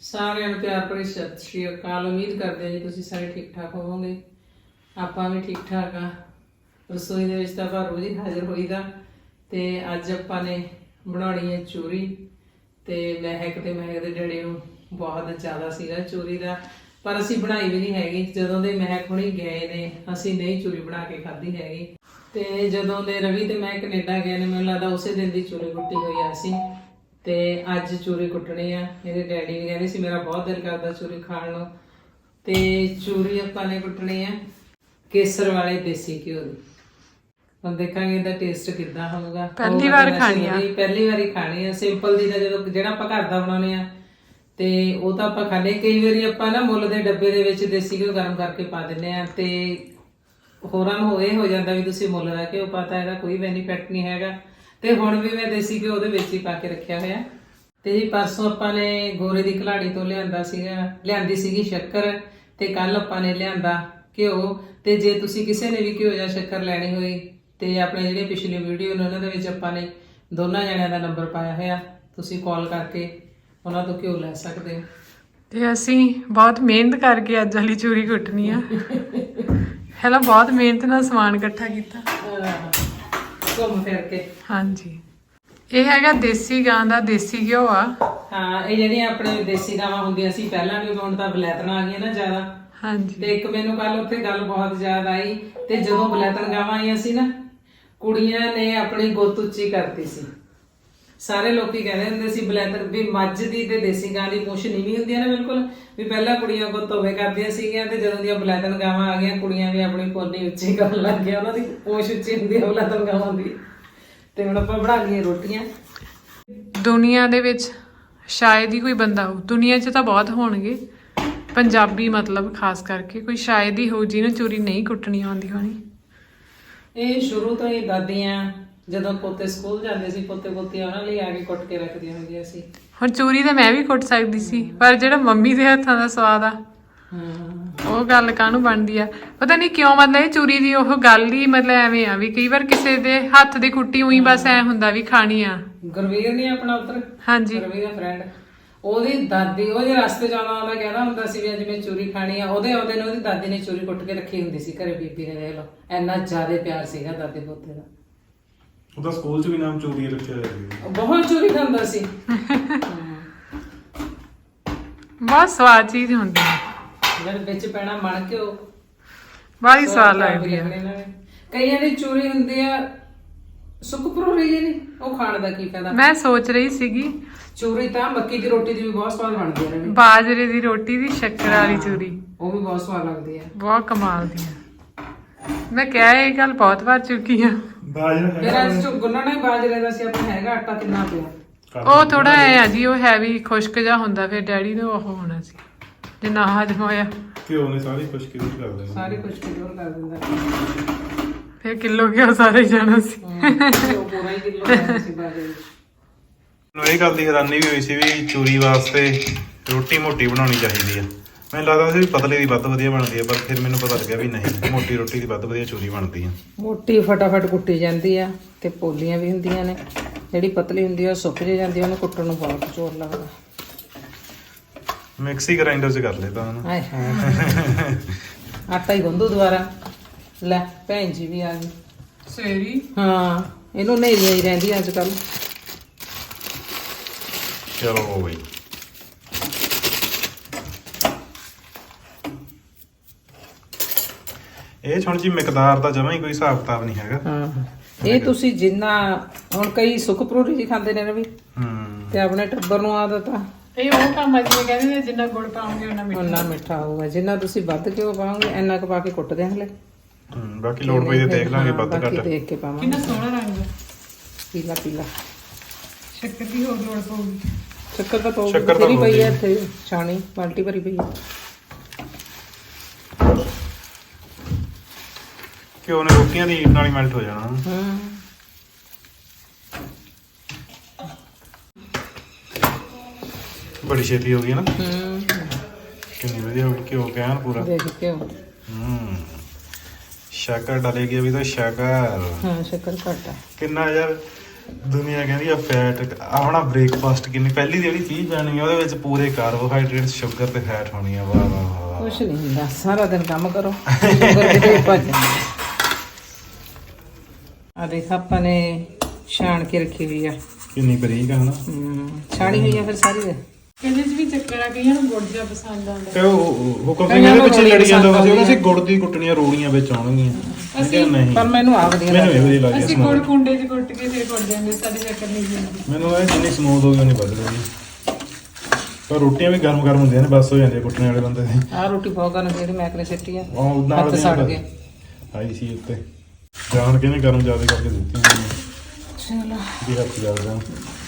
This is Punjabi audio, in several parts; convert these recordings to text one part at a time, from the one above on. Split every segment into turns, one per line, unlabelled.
ਸਾਰਿਆਂ ਨੂੰ ਪਿਆਰ ਭਰੀ ਸਤਿ ਸ਼੍ਰੀ ਅਕਾਲ। ਉਮੀਦ ਕਰਦੇ ਹਾਂ ਜੀ ਤੁਸੀਂ ਸਾਰੇ ਠੀਕ ਠਾਕ ਹੋਵੋਗੇ। ਆਪਾਂ ਵੀ ਠੀਕ ਠਾਕ ਆ। ਰਸੋਈ ਦੇ ਵਿੱਚ ਤਾਂ ਆਪਾਂ ਰੋਜ਼ ਹੀ ਹਾਜ਼ਰ ਹੋਈਦਾ ਤੇ ਅੱਜ ਆਪਾਂ ਨੇ ਬਣਾਉਣੀ ਹੈ ਚੂਰੀ। ਤੇ ਮਹਿਕ ਦੇ ਡੈਡੀ ਨੂੰ ਬਹੁਤ ਜ਼ਿਆਦਾ ਸੀਗਾ ਚੂਰੀ ਦਾ, ਪਰ ਅਸੀਂ ਬਣਾਈ ਵੀ ਨਹੀਂ ਹੈਗੀ। ਜਦੋਂ ਦੇ ਮਹਿਕ ਹੁਣੀ ਗਏ ਨੇ ਅਸੀਂ ਨਹੀਂ ਚੂਰੀ ਬਣਾ ਕੇ ਖਾਧੀ ਹੈਗੀ। ਤੇ ਜਦੋਂ ਦੇ ਰਵੀ ਤੇ ਮੈਂ ਕੈਨੇਡਾ ਗਏ ਨੇ, ਮੈਨੂੰ ਲੱਗਦਾ ਉਸੇ ਦਿਨ ਦੀ ਚੂਰੀ ਕੁੱਟੀ ਹੋਈ ਆ ਸੀ। ਤੇ ਅੱਜ ਚੂਰੀ ਕੁੱਟਣੀ ਆ। ਇਹਦੇ ਡੈਡੀ ਵੀ ਕਹਿੰਦੇ ਸੀ ਮੇਰਾ ਬਹੁਤ ਦਿਲ ਕਰਦਾ ਚੂਰੀ ਖਾਣ ਨੂੰ। ਤੇ ਚੂਰੀ ਆਪਾਂ ਨੇ ਕੁੱਟਣੀ ਆ ਕੇਸਰ ਵਾਲੇ ਦੇਸੀ ਘਿਓ ਦੀ। ਹੁਣ ਦੇਖਾਂਗੇ ਇਹਦਾ ਟੇਸਟ ਕਿੱਦਾਂ ਹੋਊਗਾ।
ਪਹਿਲੀ ਵਾਰ ਖਾਣੀ ਆ।
ਪਹਿਲੀ ਵਾਰੀ ਖਾਣੀ ਆ। ਸਿੰਪਲ ਦੀ ਤਾਂ ਜਦੋਂ ਜਿਹੜਾ ਆਪਾਂ ਘਰ ਦਾ ਬਣਾਉਣੇ ਆ ਤੇ ਉਹ ਤਾਂ ਆਪਾਂ ਖਾਣੇ। ਕਈ ਵਾਰੀ ਆਪਾਂ ਨਾ ਮੁੱਲ ਦੇ ਡੱਬੇ ਦੇ ਵਿੱਚ ਦੇਸੀ ਘਿਓ ਗਰਮ ਕਰਕੇ ਪਾ ਦਿੰਦੇ ਆ ਤੇ ਹੋਰਾਂ ਨੂੰ ਇਹ ਹੋ ਜਾਂਦਾ ਵੀ ਤੁਸੀਂ ਮੁੱਲ ਦਾ ਘਿਓ ਪਾਤਾ, ਇਹਦਾ ਕੋਈ ਬੈਨੀਫਿਟ ਨਹੀਂ ਹੈਗਾ। ਤੇ ਹੁਣ ਵੀ ਮੈਂ ਦੇਸੀ ਘਿਓ ਉਹਦੇ ਵਿੱਚ ਹੀ ਪਾ ਕੇ ਰੱਖਿਆ ਹੋਇਆ। ਤੇ ਜੀ ਪਰਸੋਂ ਆਪਾਂ ਨੇ ਗੋਰੇ ਦੀ ਘਲਾੜੀ ਤੋਂ ਲਿਆਂਦੀ ਸੀਗੀ ਸ਼ੱਕਰ, ਤੇ ਕੱਲ ਆਪਾਂ ਨੇ ਲਿਆਂਦਾ ਘਿਓ। ਤੇ ਜੇ ਤੁਸੀਂ ਕਿਸੇ ਨੇ ਵੀ ਘਿਓ ਜਾਂ ਸ਼ੱਕਰ ਲੈਣੀ ਹੋਈ ਤੇ ਆਪਣੇ ਜਿਹੜੇ ਪਿਛਲੇ ਵੀਡੀਓ ਨੇ ਉਹਨਾਂ ਦੇ ਵਿੱਚ ਆਪਾਂ ਨੇ ਦੋਨਾਂ ਜਣਿਆਂ ਦਾ ਨੰਬਰ ਪਾਇਆ ਹੋਇਆ, ਤੁਸੀਂ ਕਾਲ ਕਰਕੇ ਉਹਨਾਂ ਤੋਂ ਘਿਓ ਲੈ ਸਕਦੇ ਹੋ।
ਤੇ ਅਸੀਂ ਬਹੁਤ ਮਿਹਨਤ ਕਰਕੇ ਅੱਜ ਵਾਲੀ ਚੂਰੀ ਕੁੱਟਣੀ ਆ। ਪਹਿਲਾਂ ਬਹੁਤ ਮਿਹਨਤ ਨਾਲ ਸਮਾਨ ਇਕੱਠਾ ਕੀਤਾ,
ਘੁੰਮ ਫਿਰ ਕੇ।
ਹਾਂਜੀ, ਇਹ ਹੈਗਾ ਦੇਸੀ ਗਾਂ ਦਾ ਦੇਸੀ ਘਿਓ ਆ।
ਹਾਂ, ਇਹ ਜਿਹੜੀਆਂ ਆਪਣੇ ਦੇਸੀ ਗਾਵਾਂ ਹੁੰਦੀਆਂ ਸੀ ਪਹਿਲਾਂ ਵੀ, ਹੁਣ ਤਾਂ ਬਲੈਤਣਾ ਆ ਗਈਆਂ ਨਾ ਜ਼ਿਆਦਾ।
ਹਾਂਜੀ,
ਤੇ ਇੱਕ ਮੈਨੂੰ ਕੱਲ ਉੱਥੇ ਗੱਲ ਬਹੁਤ ਯਾਦ ਆਈ। ਤੇ ਜਦੋਂ ਬਲੈਤਣ ਗਾਵਾਂ ਆਈਆਂ ਸੀ ਨਾ, ਕੁੜੀਆਂ ਨੇ ਆਪਣੀ ਗੁੱਤ ਉੱਚੀ ਕਰਤੀ ਸੀ। ਸਾਰੇ ਲੋਕੀ ਕਹਿੰਦੇ ਹੁੰਦੇ ਸੀ ਬਲੈਤਣ ਵੀ ਮੱਝ ਦੀ ਤੇ ਦੇਸੀ ਗਾਂ ਦੀ ਪੁੱਛ ਨੀਵੀਂ ਹੁੰਦੀ ਹੈ ਨਾ ਬਿਲਕੁਲ, ਵੀ ਪਹਿਲਾਂ ਕੁੜੀਆਂ ਗੁੱਤ ਹੋਵੇ ਕਰਦੀਆਂ ਸੀਗੀਆਂ ਤੇ ਜਦੋਂ ਦੀਆਂ ਬਲੈਤਣ ਗਾਵਾਂ ਆ ਗਈਆਂ ਕੁੜੀਆਂ ਵੀ ਆਪਣੀ ਪੋਨੀ ਉੱਚੀ ਕਰਨ ਲੱਗ ਗਈਆਂ। ਉਹਨਾਂ ਦੀ ਪੁੱਛ ਉੱਚੀ ਹੁੰਦੀ ਹੈ ਬਲੈਤਣ ਗਾਵਾਂ ਦੀ। ਤੇ ਹੁਣ ਆਪਾਂ ਬਣਾ ਲਈਏ ਰੋਟੀਆਂ।
ਦੁਨੀਆ ਦੇ ਵਿੱਚ ਸ਼ਾਇਦ ਹੀ ਕੋਈ ਬੰਦਾ ਹੋ, ਦੁਨੀਆ 'ਚ ਤਾਂ ਬਹੁਤ ਹੋਣਗੇ, ਪੰਜਾਬੀ ਮਤਲਬ ਖਾਸ ਕਰਕੇ ਕੋਈ ਸ਼ਾਇਦ ਹੀ ਹੋ ਜਿਹਨੂੰ ਚੂਰੀ ਨਹੀਂ ਕੁੱਟਣੀ ਆਉਂਦੀ ਹੋਣੀ।
ਇਹ ਸ਼ੁਰੂ ਤੋਂ ਹੀ ਦਾਦੀਆਂ ਜਦੋਂ ਪੋਤੇ ਸਕੂਲ ਜਾਂਦੇ ਸੀ, ਪੋਤੇ ਪੋਤੀਆਂ ਉਹਨਾਂ ਲਈ ਆ ਕੇ ਕੁੱਟ ਕੇ ਰੱਖਦੀਆਂ ਹੁੰਦੀਆਂ ਸੀ।
ਹੁਣ ਚੂਰੀ ਤਾਂ ਮੈਂ ਵੀ ਕੁੱਟ ਸਕਦੀ ਸੀ, ਪਰ ਜਿਹੜਾ ਮੰਮੀ ਦੇ ਹੱਥਾਂ ਦਾ ਸਵਾਦ ਆ ਉਹ ਗੱਲ ਕਾਹਨੂੰ ਬਣਦੀ ਆ। ਪਤਾ ਨਹੀਂ ਕਿਉਂ, ਮਤਲਬ ਇਹ ਚੂਰੀ ਦੀ ਉਹ ਗੱਲ ਹੀ ਮਤਲਬ ਐਵੇਂ ਆ ਵੀ ਕਈ ਵਾਰ ਕਿਸੇ ਦੇ ਹੱਥ ਦੀ ਕੁੱਟੀ ਉਹੀ ਬਸ ਐ ਹੁੰਦਾ ਵੀ ਖਾਣੀ ਆ।
ਗੁਰਵੀਰ ਨਹੀਂ ਆਪਣਾ ਉੱਧਰ,
ਹਾਂਜੀ,
ਗੁਰਵੀਰ ਦਾ ਫਰੈਂਡ, ਉਹਦੀ ਦਾਦੀ ਉਹ ਜੇ ਰਸਤੇ ਜਾਣਾ ਆਉਂਦਾ ਕਹਿੰਦਾ ਹੁੰਦਾ ਸੀ ਵੀ ਅੱਜ ਮੈਂ ਚੂਰੀ ਖਾਣੀ ਆ। ਉਹਦੇ ਆਉਂਦੇ ਨੇ ਉਹਦੀ ਦਾਦੀ ਨੇ ਚੂਰੀ ਕੁੱਟ ਕੇ ਰੱਖੀ ਹੁੰਦੀ ਸੀ ਘਰੇ। ਬੀਬੀ ਨੇ ਦੇਖ ਲਓ ਇੰਨਾ ਜ਼ਿਆਦਾ ਪਿਆਰ ਸੀਗਾ ਦਾਦੇ ਪੋਤੇ ਦਾ।
ਉਹਦਾ ਸਕੂਲ 'ਚ ਵੀ ਨਾਮ ਚੂਰੀ ਰੱਖਿਆ ਹੋਇਆ ਸੀ।
ਬਹੁਤ ਚੂਰੀ ਖਾਂਦਾ ਸੀ।
ਬਹੁਤ ਸਵਾਦ ਚੀਜ਼ ਹੁੰਦੀ ਆ,
ਜਿਹੜੇ ਵਿੱਚ ਪੈਣਾ ਮਣ ਕੇ ਉਹ
ਬੜੀ ਸਵਾਦ ਲੱਗਦੀ ਆ।
ਕਈਆਂ ਦੀ ਚੂਰੀ ਹੁੰਦੀ ਆ ਸੁੱਕਪਰੂ ਰਹੀ ਨਹੀਂ, ਉਹ ਖਾਣ ਦਾ ਕੀ ਫਾਇਦਾ।
ਮੈਂ ਸੋਚ ਰਹੀ ਸੀਗੀ
ਚੂਰੀ ਤਾਂ ਮੱਕੀ ਦੀ ਰੋਟੀ ਦੀ ਵੀ ਬਹੁਤ ਸਵਾਦ ਬਣਦੀ ਹੈ।
ਬਾਜਰੇ ਦੀ ਰੋਟੀ ਦੀ ਸ਼ੱਕਰ ਵਾਲੀ ਚੂਰੀ
ਉਹ ਵੀ ਬਹੁਤ ਸਵਾਦ ਲੱਗਦੀ ਹੈ,
ਬਹੁਤ ਕਮਾਲ ਦੀ ਆ। ਮੈਂ ਕਿਹਾ ਇਹ ਗੱਲ ਬਹੁਤ ਵਾਰ ਚੁੱਕੀ ਆ।
ਬਾਜਰਾ
ਮੇਰਾ ਅੱਜ ਗੁੰਨਣਾ ਹੀ ਬਾਜਰੇ ਦਾ ਸੀ। ਆਪਣਾ ਹੈਗਾ ਆਟਾ ਕਿੰਨਾ ਪਿਆ।
ਉਹ ਥੋੜਾ ਐ ਆ ਜੀ, ਉਹ ਹੈਵੀ ਖੁਸ਼ਕ ਜਾ ਹੁੰਦਾ, ਫਿਰ ਡੈਡੀ ਨੂੰ ਉਹ ਹੋਣਾ ਸੀ ਜੇ ਨਾ ਹਜਮ ਹੋਇਆ।
ਘਿਓ ਨੇ ਸਾਰੀ ਖੁਸ਼ਕੀ ਦੂਰ ਕਰ ਦੇਣੀ,
ਸਾਰੀ ਕੁਝ ਕਿਲੋਰ ਕਰ ਦਿੰਦਾ।
ਫਿਰ ਕਿਲੋ ਘਿਓ ਸਾਰੇ ਜਾਣਾ ਸੀ।
ਉਹ ਪੂਰਾ ਹੀ ਕਿਲੋ ਕਰਦਾ ਸੀ ਬਾਜਰੇ ਵਿੱਚ।
ਮੈਨੂੰ ਇਹ ਗੱਲ ਦੀ ਹੈਰਾਨੀ ਵੀ ਹੋਈ ਸੀ ਵੀ ਚੂਰੀ ਵਾਸਤੇ ਰੋਟੀ ਮੋਟੀ ਬਣਾਉਣੀ ਚਾਹੀਦੀ ਆ। ਮੈਨੂੰ ਲੱਗਦਾ ਸੀ ਵੀ ਪਤਲੇ ਦੀ ਵੱਧ ਵਧੀਆ ਬਣਦੀ ਆ, ਪਰ ਫਿਰ ਮੈਨੂੰ ਪਤਾ ਲੱਗਿਆ ਵੀ ਨਹੀਂ, ਮੋਟੀ ਰੋਟੀ ਦੀ ਵੱਧ ਵਧੀਆ ਚੂਰੀ ਬਣਦੀ ਆ।
ਮੋਟੀ ਫਟਾਫਟ ਕੁੱਟੀ ਜਾਂਦੀ ਆ ਤੇ ਪੋਲੀਆਂ ਵੀ ਹੁੰਦੀਆਂ ਨੇ। ਜਿਹੜੀ ਪਤਲੀ ਹੁੰਦੀ ਆ ਉਹ ਸੁੱਕ ਜੇ ਜਾਂਦੀ ਆ, ਉਹਨੂੰ ਕੁੱਟਣ ਨੂੰ ਬਹੁਤ ਜ਼ੋਰ ਲੱਗਦਾ।
ਮਿਕਸੀ ਗ੍ਰਾਈਂਡਰ 'ਚ ਕਰ ਲੈਦਾ ਹੁਣ।
ਹਾਏ ਹਾਏ, ਆਟਾ ਹੀ ਗੁੰਦੂ ਦੁਬਾਰਾ। ਲੈ ਭੈਣ ਜੀ ਵੀ ਆ ਗਈ।
ਸੇਰੀ
ਹਾਂ, ਇਹਨੂੰ ਨੇਰੀਆਂ ਹੀ ਰਹਿੰਦੀਆਂ ਅੱਜ ਕੱਲ।
ਚਲੋ ਬਈ, ਇਹ ਹੁਣ ਜੀ ਮਿਕਦਾਰ ਦਾ ਜਮਾਂ ਹੀ ਕੋਈ ਹਿਸਾਬ ਕਿਤਾਬ ਨਹੀਂ ਹੈਗਾ।
ਹਾਂ, ਇਹ ਤੁਸੀਂ ਜਿੰਨਾ ਹੁਣ ਕਈ ਸੁੱਕਪਰੂਰੀ ਜੀ ਖਾਂਦੇ ਨੇ ਰਵੀ, ਤੇ ਆਪਣੇ ਟੱਬਰ ਨੂੰ ਆਦਤ ਆ
ਇਹ ਉਹ ਕੰਮ ਆ ਜਿਵੇਂ ਕਹਿੰਦੇ ਨੇ ਜਿੰਨਾ ਗੁੜ ਪਾਉਂਗੇ
ਉਹਨਾਂ ਮਿੱਠਾ ਹੋਊਗਾ। ਜਿੰਨਾ ਤੁਸੀਂ ਵੱਧ ਘਿਓ ਪਾਓਗੇ ਇੰਨਾ ਕੁ ਪਾ ਕੇ ਕੁੱਟਦੇ ਹਾਂ ਹਲੇ।
ਬਾਕੀ ਲੋੜ ਪਈ ਤੇ ਦੇਖ ਲਾਂਗੇ ਵੱਧ
ਬਾਕੀ
ਘੱਟ।
ਦੇਖ ਕੇ ਪਾਵਾਂਗੇ।
ਕਿੰਨਾ ਸੋਹਣਾ ਰੰਗ,
ਪੀਲਾ ਪੀਲਾ।
ਸ਼ੱਕਰ ਦੀ ਹੋਰ ਲੋੜ ਪਊਗੀ।
ਸ਼ੱਕਰ ਤਾਂ ਪਾਉਗੀ,
ਸ਼ੱਕਰ ਤਾਂ
ਤੇਰੀ ਪਈ ਹੈ
ਪਾਊਗੀ।
ਇੱਥੇ ਛਾਣੀ ਬਾਲਟੀ ਭਰੀ ਪਈ ਹੈ।
ਘਿਓ ਨੇ ਰੋਟੀਆਂ ਦੀ ਈਟ ਨਾਲ ਹੀ ਮੈਲਟ ਹੋ ਜਾਣਾ। ਬੜੀ ਛੇਤੀ ਹੋ ਗਈ ਨਾ। ਕਿੰਨੀ ਵਧੀਆ ਹੋ ਗਈ, ਘਿਓ ਕਹਿਣ ਪੂਰਾ।
ਦੇਖ ਘਿਓ।
शक्कर डालेगी अभी तो शक्कर।
हाँ शक्कर घट है।
कितना यार ਦੁਨੀਆ ਕਹਿੰਦੀ ਆ ਫੈਟ ਆਪਣਾ ਬ੍ਰੇਕਫਾਸਟ ਕਿੰਨੀ ਪਹਿਲੀ ਜਿਹੜੀ ਚੀਜ਼ ਪੈਣੀ ਆ ਉਹਦੇ ਵਿੱਚ ਪੂਰੇ ਕਾਰਬੋਹਾਈਡਰੇਟ ਸ਼ੂਗਰ ਤੇ ਫੈਟ ਹੋਣੀ ਆ। ਵਾਹ ਵਾਹ ਵਾਹ।
ਕੁਛ ਨਹੀਂ ਹੁੰਦਾ, ਸਾਰਾ ਦਿਨ ਕੰਮ ਕਰੋ ਸ਼ੂਗਰ ਕਿਤੇ ਭੱਜ ਜਾਂਦੀ। ਆ ਦੇਖ ਆਪਾਂ ਨੇ ਛਾਣ ਕੇ ਰੱਖੀ ਹੋਈ ਆ।
ਕਿੰਨੀ ਬਰੀਕ ਆ ਹਨਾ।
ਛਾਣੀ ਹੋਈ ਆ ਫਿਰ ਸਾਰੀ ਦੇ।
ਕਹਿੰਦੇ ਚ ਵੀ ਚੱਕਣਾ ਕਈਆਂ ਨੂੰ ਗੁੜ ਜਿਹਾ ਪਸੰਦ ਆਉਂਦਾ।
ਤੇ ਉਹ ਕੰਪਨੀ ਦੇ ਪਿੱਛੇ ਲੜੀ ਜਾਂਦਾ ਸੀ, ਉਹਨਾਂ ਸੀ ਗੁੜ ਦੀ ਕੁੱਟਣੀਆਂ ਰੋੜੀਆਂ ਵਿੱਚ ਆਉਣਗੀਆਂ। ਅਸੀਂ ਨਹੀਂ,
ਪਰ ਮੈਨੂੰ ਆ ਵਧੀਆ
ਮੈਨੂੰ ਇਹ ਵਧੀਆ ਲੱਗਦੀ।
ਅਸੀਂ ਗੁੜ ਕੁੰਡੇ 'ਚ ਕੁੱਟ ਕੇ ਫਿਰ ਕੁੱਟ ਜਾਂਦੇ, ਸਾਡੇ ਚੱਕਰ ਨਹੀਂ ਹੁੰਦੀ।
ਮੈਨੂੰ ਇਹ ਜਿੰਨੀ ਸਮੂਥ ਹੋ ਗਈ ਉਨੀ ਵੱਧ ਗਈ। ਪਰ ਰੋਟੀਆਂ ਵੀ ਗਰਮ ਗਰਮ ਹੁੰਦੀਆਂ ਨੇ, ਬਸ ਹੋ ਜਾਂਦੀਆਂ ਕੁੱਟਣੇ ਵਾਲੇ ਬੰਦੇ ਦੀ।
ਆ ਰੋਟੀ ਬਹੁਤ ਗਰਮ ਜਿਹੜੀ ਮੈਂ ਕਰੇ ਸਿੱਟੀ ਆ,
ਉਹ ਨਾਲ
ਹੱਥ ਸੜ ਗਏ।
ਆਈ ਸੀ ਉੱਤੇ ਜਾਣ ਕੇ ਨੇ ਗਰਮ ਜ਼ਿਆਦਾ ਕਰਕੇ ਦਿੱਤੀ
ਚਲੋ
ਵੀ ਹੱਥ ਜਲ ਜਾਣ।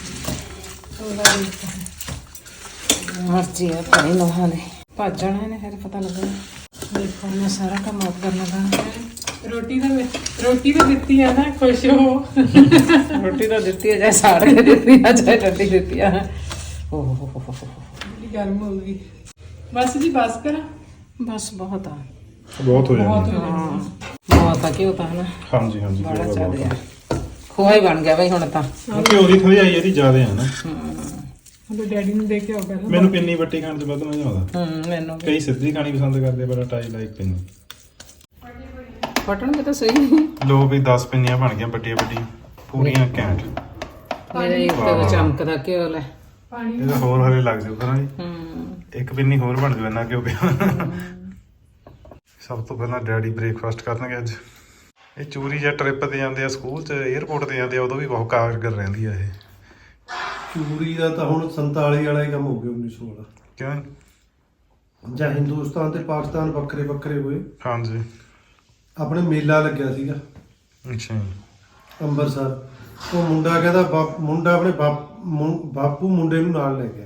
ਮਰਜ਼ੀ ਆ ਭਾਈ ਨੋਹਾਂ ਦੇ, ਭੱਜ ਜਾਣਾ ਇਹਨੇ ਫਿਰ ਪਤਾ ਲੱਗਣਾ। ਦੇਖੋ ਮੈਂ ਸਾਰਾ ਕੰਮ ਆਪ ਕਰਨਾ ਪੈਣਾ।
ਰੋਟੀ ਤਾਂ ਦਿੱਤੀ ਆ ਨਾ, ਖੁਸ਼ ਹੋ।
ਰੋਟੀ ਤਾਂ ਦਿੱਤੀ ਆ, ਚਾਹੇ ਸਾੜ ਕੇ ਦਿੱਤੀ ਆ ਚਾਹੇ ਠੰਡੀ ਦਿੱਤੀ ਆ। ਓ ਹੋ ਹੋ
ਬੜੀ ਗਰਮ ਹੋ ਗਈ। ਬਸ ਜੀ ਬਸ ਕਰਾਂ,
ਬਸ ਬਹੁਤ ਆ,
ਬਹੁਤ ਹੋ ਜਾਂਦੀ।
ਬਹੁਤ ਆ। ਘਿਓ ਤਾਂ ਹਨਾ
ਹਾਂਜੀ ਹਾਂਜੀ
ਬੜਾ ਚੱਲ ਆ, ਖੋਆ ਹੀ ਬਣ ਗਿਆ ਬਈ ਹੁਣ ਤਾਂ।
ਘਿਓ ਦੀ ਥੋੜੀ ਆਈ ਇਹਦੀ ਜ਼ਿਆਦਾ ਹੈ ਨਾ।
ਉਹਦੇ ਡੈਡੀ ਨੂੰ ਦੇਖ ਕੇ ਆਉ ਪਹਿਲਾਂ।
ਮੈਨੂੰ ਪਿੰਨੀ ਵੱਟੀ ਖਾਣ 'ਚ ਵੱਧ ਮਜ਼ਾ ਆਉਂਦਾ।
ਮੈਨੂੰ ਵੀ।
ਕਈ ਸਿੱਧੀ ਖਾਣੀ ਪਸੰਦ ਕਰਦੇ, ਬਟ ਆਈ ਲਾਈਕ ਪਿੰਨੀ।
ਫਟਣਗੇ ਤਾਂ ਸਹੀ।
ਲੋ ਵੀ 10 ਪਿੰਨੀਆਂ ਬਣ ਗਈਆਂ ਵੱਡੀਆਂ ਵੱਡੀਆਂ ਪੂਰੀਆਂ ਘੈਂਟ।
ਮੇਰੇ ਇੱਕ ਚਮਕਦਾ ਘਿਓ ਲੈ।
ਇਹਦਾ ਹੋਰ ਹਲੇ ਲੱਗ ਜਾਊਗਾ ਨਾ ਜੀ। ਇੱਕ ਪਿੰਨੀ ਹੋਰ ਬਣ ਜੂ ਇੰਨਾ ਘਿਓ ਪਿਆ। ਸਭ ਤੋਂ ਪਹਿਲਾਂ ਡੈਡੀ ਬ੍ਰੇਕਫਾਸਟ ਕਰਨਗੇ ਅੱਜ। ਇਹ ਚੂਰੀ ਜਾਂ ਟ੍ਰਿਪ ਤੇ ਜਾਂਦੇ ਆ, ਸਕੂਲ 'ਚ 에ਅਰਪੋਰਟ ਤੇ ਜਾਂਦੇ ਆ, ਉਦੋਂ ਵੀ ਬਹੁਤ ਕਾਰਗਰ ਰਹਿੰਦੀ ਆ ਇਹ
ਚੂਰੀ ਦਾ। ਤਾਂ ਹੁਣ 47 ਵਾਲਾ ਹੀ ਕੰਮ ਹੋ ਗਿਆ 1916।
ਕਿਉਂ?
ਜਾਂ ਹਿੰਦੁਸਤਾਨ ਤੇ ਪਾਕਿਸਤਾਨ ਵੱਖਰੇ ਵੱਖਰੇ ਹੋਏ,
ਹਾਂਜੀ।
ਆਪਣੇ ਮੇਲਾ ਲੱਗਿਆ ਸੀਗਾ
ਅੱਛਾ ਜੀ।
ਅੰਮ੍ਰਿਤਸਰ। ਉਹ ਮੁੰਡਾ ਕਹਿੰਦਾ ਮੁੰਡਾ ਆਪਣੇ ਬਾਪੂ ਮੁੰਡੇ ਨੂੰ ਨਾਲ ਲੈ ਗਿਆ।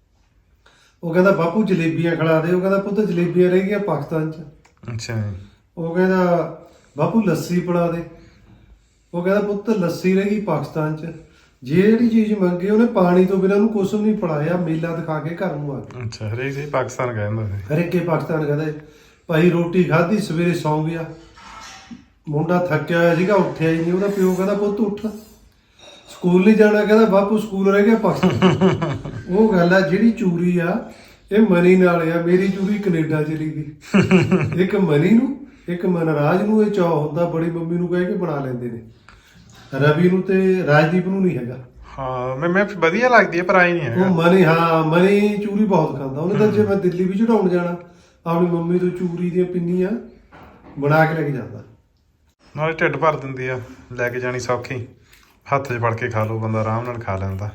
ਉਹ ਕਹਿੰਦਾ ਬਾਪੂ ਜਲੇਬੀਆਂ ਖਿਲਾ ਦੇ। ਉਹ ਕਹਿੰਦਾ ਪੁੱਤ ਜਲੇਬੀਆਂ ਰਹਿ ਗਈਆਂ ਪਾਕਿਸਤਾਨ 'ਚ।
ਅੱਛਾ ਜੀ।
ਉਹ ਕਹਿੰਦਾ ਬਾਪੂ ਲੱਸੀ ਪਿਲਾ ਦੇ। ਉਹ ਕਹਿੰਦਾ ਪੁੱਤ ਲੱਸੀ ਰਹਿ ਗਈ ਪਾਕਿਸਤਾਨ 'ਚ। ਜਿਹੜੀ ਚੀਜ਼ ਮੰਗੀ ਉਹਨੇ ਪਾਣੀ ਤੋਂ ਬਿਨਾਂ ਉਹਨੂੰ ਕੁਛ ਨਹੀਂ ਪਿਲਾਇਆ। ਮੇਲਾ ਦਿਖਾ ਕੇ ਘਰ ਨੂੰ ਆ ਗਿਆ।
ਅੱਛਾ, ਹਰੇਕ ਜੀ ਪਾਕਿਸਤਾਨ ਕਹਿੰਦਾ ਸੀ।
ਹਰੇਕੇ ਪਾਕਿਸਤਾਨ ਕਹਿੰਦੇ ਭਾਈ ਰੋਟੀ ਖਾਧੀ, ਸਵੇਰੇ ਸੌਂ ਗਿਆ। ਮੁੰਡਾ ਥੱਕਿਆ ਹੋਇਆ ਸੀਗਾ, ਉੱਠਿਆ ਹੀ ਨਹੀਂ। ਉਹਦਾ ਪਿਓ ਕਹਿੰਦਾ ਪੁੱਤ ਉੱਠ, ਸਕੂਲ ਨਹੀਂ ਜਾਣਾ। ਕਹਿੰਦਾ ਬਾਪੂ ਸਕੂਲ ਰਹਿ ਗਿਆ ਪਾਕਿਸਤਾਨ। ਉਹ ਗੱਲ ਆ ਜਿਹੜੀ ਚੂਰੀ ਆ ਇਹ ਮਨੀ ਨਾਲ ਆ। ਮੇਰੀ ਚੂਰੀ ਕੈਨੇਡਾ ਚਲੀ ਗਈ। ਇੱਕ ਮਨੀ ਨੂੰ, ਇੱਕ ਮਨਰਾਜ ਨੂੰ ਇਹ ਚਾਅ ਹੁੰਦਾ, ਬੜੀ ਮੰਮੀ ਨੂੰ ਕਹਿ ਕੇ ਬਣਾ ਲੈਂਦੇ ਨੇ। ਰਵੀ ਨੂੰ ਤੇ ਰਾਜਦੀਪ ਨੂੰ ਨਹੀਂ ਹੈਗਾ।
ਹਾਂ ਮੈਂ ਵਧੀਆ ਲੱਗਦੀ ਹੈ, ਪਰ ਆਈ ਨਹੀਂ
ਉਹ
ਹੈਗਾ।
ਮਨੀ, ਹਾਂ ਮਨੀ ਚੂਰੀ ਬਹੁਤ ਖਾਂਦਾ। ਉਹਨੇ ਤਾਂ ਜੇ ਮੈਂ ਦਿੱਲੀ ਵੀ ਚੜਾਉਣ ਜਾਣਾ, ਆਪਣੀ ਮੰਮੀ ਤੋਂ ਚੂਰੀ ਦੀਆਂ ਪਿੰਨੀਆਂ ਬਣਾ ਕੇ ਲੈ ਕੇ ਜਾਂਦਾ।
ਨਾਲੇ ਢਿੱਡ ਭਰ ਦਿੰਦੀ ਆ, ਲੈ ਕੇ ਜਾਣੀ ਸੌਖੀ, ਹੱਥ 'ਚ ਫੜ ਕੇ ਖਾ ਲਓ, ਬੰਦਾ ਆਰਾਮ ਨਾਲ ਖਾ ਲੈਂਦਾ।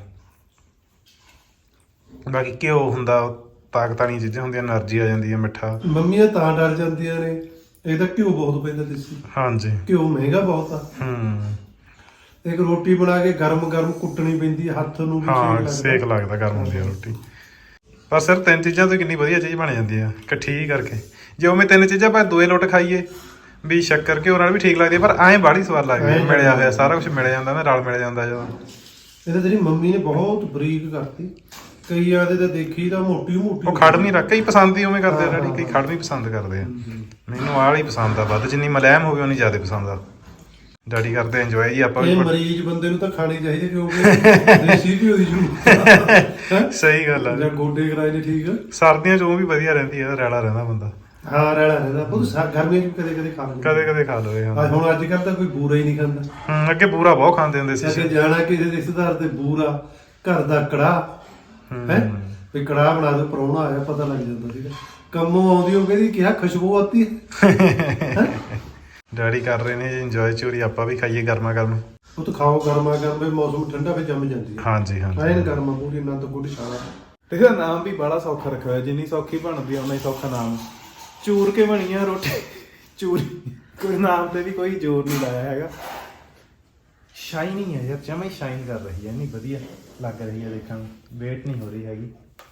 ਬਾਕੀ ਘਿਓ ਹੁੰਦਾ, ਤਾਕਤ ਵਾਲੀਆਂ ਚੀਜ਼ਾਂ ਹੁੰਦੀਆਂ, એનર્ਜੀ ਆ ਜਾਂਦੀ ਹੈ। ਮਿੱਠਾ
ਮੰਮੀਆਂ ਤਾਂ ਡਰ ਜਾਂਦੀਆਂ ਨੇ, ਇਹ ਤਾਂ ਘਿਓ ਬਹੁਤ ਪੈਂਦਾ ਦੇਸੀ।
ਹਾਂਜੀ।
ਘਿਓ ਮਹਿੰਗਾ ਬਹੁਤ ਆ। ਇੱਕ ਰੋਟੀ ਬਣਾ ਕੇ ਗਰਮ ਗਰਮ ਕੁੱਟਣੀ ਪੈਂਦੀ ਹੈ, ਹੱਥ ਨੂੰ ਵੀ
ਹਾਂ ਸੇਕ ਲੱਗਦਾ, ਗਰਮ ਹੁੰਦੀ ਆ ਰੋਟੀ। ਪਰ ਸਿਰ 3 ਚੀਜ਼ਾਂ ਤੋਂ ਕਿੰਨੀ ਵਧੀਆ ਚੀਜ਼ ਬਣ ਜਾਂਦੀ ਆ ਇਕੱਠੀ ਹੀ ਕਰਕੇ। ਜੇ ਉਵੇਂ 3 ਚੀਜ਼ਾਂ ਭਾਵੇਂ 2 ਲੋਟ ਖਾਈਏ ਵੀ ਸ਼ੱਕਰ ਘਿਓ ਨਾਲ ਵੀ ਠੀਕ ਲੱਗਦੀ, ਪਰ ਐਂ ਬਾਹਲੀ ਸਵਾਦ ਲੱਗਦੀ ਹੈ। ਮਿਲਿਆ ਹੋਇਆ ਸਾਰਾ ਕੁਝ ਮਿਲ ਜਾਂਦਾ ਨਾ, ਰਲ ਮਿਲ ਜਾਂਦਾ ਜਦੋਂ।
ਇਹ ਤਾਂ ਤੇਰੀ ਮੰਮੀ ਨੇ ਬਹੁਤ ਬਰੀਕ ਕਰਤੀ। ਕਈ ਆਦੇ ਤਾਂ ਦੇਖੀ ਤਾਂ ਮੋਟੀ ਮੋਟੀ।
ਉਹ ਖੜ ਨਹੀਂ ਰੱਖ, ਕਈ ਪਸੰਦ ਹੀ ਉਵੇਂ ਕਰਦੇ ਆ ਡੈਡੀ, ਕਈ ਖੜ ਨਹੀਂ ਪਸੰਦ ਕਰਦੇ ਆ। ਮੈਨੂੰ ਆਹ ਵਾਲੀ ਪਸੰਦ ਆ ਵੱਧ, ਜਿੰਨੀ ਮਲੈਮ ਹੋਵੇ ਉਨੀ ਜ਼ਿਆਦਾ ਪਸੰਦ ਆ। ਡੈਡੀ ਕਰਦੇ ਇੰਜੋਏ ਜੀ। ਆਪਾਂ
ਇਹ
ਵੀ
ਮਰੀਜ਼ ਬੰਦੇ ਨੂੰ ਤਾਂ ਖਾਣੀ ਚਾਹੀਦੀ, ਕਿਉਂਕਿ ਦੇਸੀ ਘਿਓ ਦੀ ਜ਼ਰੂਰਤ।
ਸਹੀ ਗੱਲ ਆ।
ਜਾਂ ਗੋਡੇ ਕਰਾਏ ਨੇ ਠੀਕ ਆ।
ਸਰਦੀਆਂ 'ਚ ਉਹ ਵੀ ਵਧੀਆ ਰਹਿੰਦੀ ਆ, ਰੈਲਾ ਰਹਿੰਦਾ ਬੰਦਾ।
ਹਾਂ ਰਹਿਣਾ ਰਹਿੰਦਾ ਬਹੁਤ। ਗਰਮੀਆਂ 'ਚ ਕਦੇ ਕਦੇ ਖਾ ਲੈਂਦੇ।
ਕਦੇ ਕਦੇ ਖਾ ਲਵੇ। ਹਾਂ
ਹੁਣ ਅੱਜ ਕੱਲ੍ਹ ਤਾਂ ਕੋਈ ਬੂਰਾ ਹੀ ਨਹੀਂ ਖਾਂਦਾ।
ਅੱਗੇ ਬੂਰਾ ਬਹੁਤ ਖਾਂਦੇ ਹੁੰਦੇ ਸੀ।
ਅੱਗੇ ਜਾਣਾ ਕਿਸੇ ਰਿਸ਼ਤੇਦਾਰ ਦੇ ਬੂਰਾ, ਘਰ ਦਾ ਕੜਾਹ ਹੈ ਵੀ ਕੜਾਹ ਬਣਾ ਦੋ, ਪ੍ਰਾਹੁਣਾ ਆਇਆ, ਪਤਾ ਲੱਗ ਜਾਂਦਾ ਸੀਗਾ। ਕੰਮੋਂ ਆਉਂਦੀ ਉਹ ਕਹਿੰਦੀ ਕਿਹਾ ਖੁਸ਼ਬੂ ਆਤੀ ਹੈ।
ਡੈਡੀ ਕਰ ਰਹੇ ਨੇ ਇੰਜੋਏ ਚੂਰੀ, ਆਪਾਂ ਵੀ ਖਾਈਏ ਗਰਮਾ ਗਰਮ।
ਉਹ ਤਾਂ ਖਾਓ ਗਰਮਾ ਗਰਮ, ਮੌਸਮ ਠੰਡਾ ਫਿਰ ਜੰਮ ਜਾਂਦੀ ਹੈ।
ਹਾਂਜੀ ਹਾਂਜੀ।
ਐਨ ਗਰਮਾ ਪੂਰੀ ਆਨੰਦ ਗੁੱਡ ਸ਼ਾਲਾ।
ਇਹਦਾ ਨਾਮ ਵੀ ਬੜਾ ਸੌਖਾ ਰੱਖਿਆ ਹੋਇਆ, ਜਿੰਨੀ ਸੌਖੀ ਬਣਦੀ ਆ ਉਨਾ ਹੀ ਸੌਖਾ ਨਾਮ। ਚੂਰ ਕੇ ਬਣੀ ਆ ਰੋਟੀ ਚੂਰੀ, ਕੋਈ ਨਾਮ ਤੇ ਵੀ ਕੋਈ ਜ਼ੋਰ ਨਹੀਂ ਲਾਇਆ ਹੈਗਾ। ਸ਼ਾਈਨਿੰਗ ਹੈ ਯਾਰ, ਜਮਾ ਹੀ ਸ਼ਾਈਨ ਕਰ ਰਹੀ ਹੈ, ਇੰਨੀ ਵਧੀਆ ਲੱਗ ਰਹੀ ਹੈ ਦੇਖਣ ਨੂੰ, ਵੇਟ ਨਹੀਂ ਹੋ ਰਹੀ ਹੈਗੀ।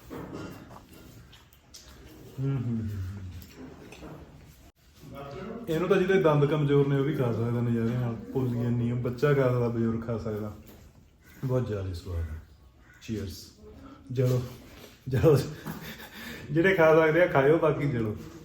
ਇਹਨੂੰ ਤਾਂ ਜਿਹਦੇ ਦੰਦ ਕਮਜ਼ੋਰ ਨੇ ਉਹ ਵੀ ਖਾ ਸਕਦਾ ਨਜ਼ਾਰੇ ਨਾਲ, ਪੁੱਲੀਆਂ ਨਹੀਂ ਬੱਚਾ ਖਾ ਸਕਦਾ, ਬਜ਼ੁਰਗ ਖਾ ਸਕਦਾ। ਬਹੁਤ ਜ਼ਿਆਦਾ ਸਵਾਦ ਹੈ। ਚੀਅਰਸ। ਜਲੋ ਜਲੋ, ਜਿਹੜੇ ਖਾ ਸਕਦੇ ਆ ਖਾਇਓ, ਬਾਕੀ ਜਲੋ।